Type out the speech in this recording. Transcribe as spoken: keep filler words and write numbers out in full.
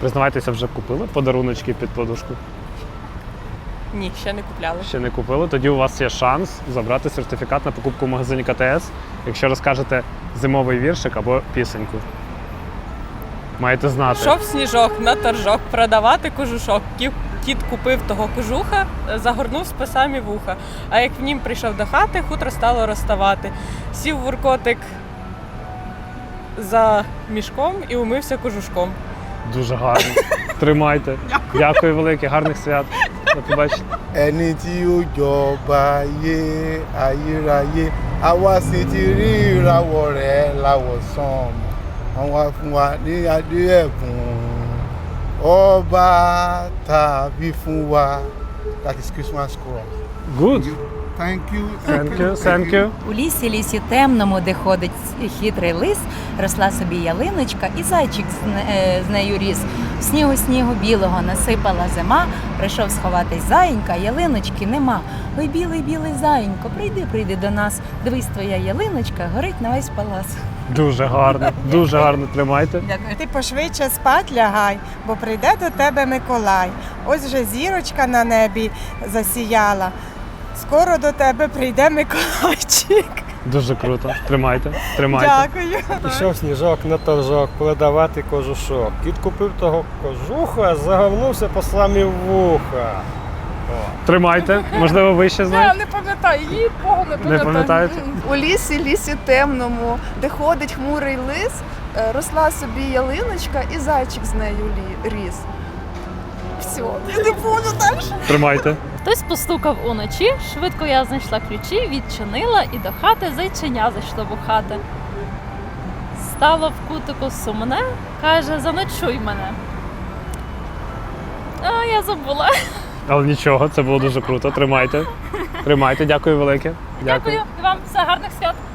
Признавайтеся, вже купили подаруночки під подушку? Ні, ще не купляли. Ще не купили? Тоді у вас є шанс забрати сертифікат на покупку в магазині ка те ес, якщо розкажете зимовий віршик або пісеньку. Маєте знати. Шов сніжок на торжок, продавати кожушок. Кіт, кіт купив того кожуха, загорнув з писами вуха. А як в нім прийшов до хати, хутро стало розставати. Сів вуркотик за мішком і умився кожушком. Дуже гарно. Тримайте. Дякую. Дякую велике, гарних свят. До побачення. Ẹni tí ó jọba ayé ayérayé àwa sì ti rí ìràwọ̀ rẹ̀ láwọ̀ sánmọ̀ àwọn fún wa ní adé ẹ̀bùn ọba tàbí fún wa. That is Christmas choral. Good. Thank you. Thank you. Thank you. У лісі, лісі темному, де ходить хитрий лис, росла собі ялиночка, і зайчик з, не- е, з нею ріс. В снігу снігу білого насипала зима, прийшов сховатись заєнька, ялиночки нема. Ой, білий, білий заєнько, прийди, прийди до нас. Дивись, твоя ялиночка горить на весь палац. Дуже гарно. Дуже гарно. Тримайте. Дякую. Ти пошвидше спать лягай, бо прийде до тебе Миколай. Ось вже зірочка на небі засіяла. Скоро до тебе прийде Миколайчик. Дуже круто. Тримайте. Тримайте. Дякую. Пішов сніжок на торжок, продавати кожушок. Кіт купив того кожуха, загорнувся по самі вуха. Тримайте. Можливо, ви ще Я знаєте? не пам'ятаю, її Богу не Не пам'ятаю. пам'ятаєте? У лісі, лісі темному, де ходить хмурий лис, е, росла собі ялиночка і зайчик з нею лі- ріс. Все, я не помню далі. Тримайте. Хтось постукав уночі, швидко я знайшла ключі, відчинила і до хати зайченя зайшло бухати. Стало в кутику сумне, каже, заночуй мене. А я забула. Але нічого, це було дуже круто. Тримайте. Тримайте. Дякую велике. Дякую і вам, все, гарних свят.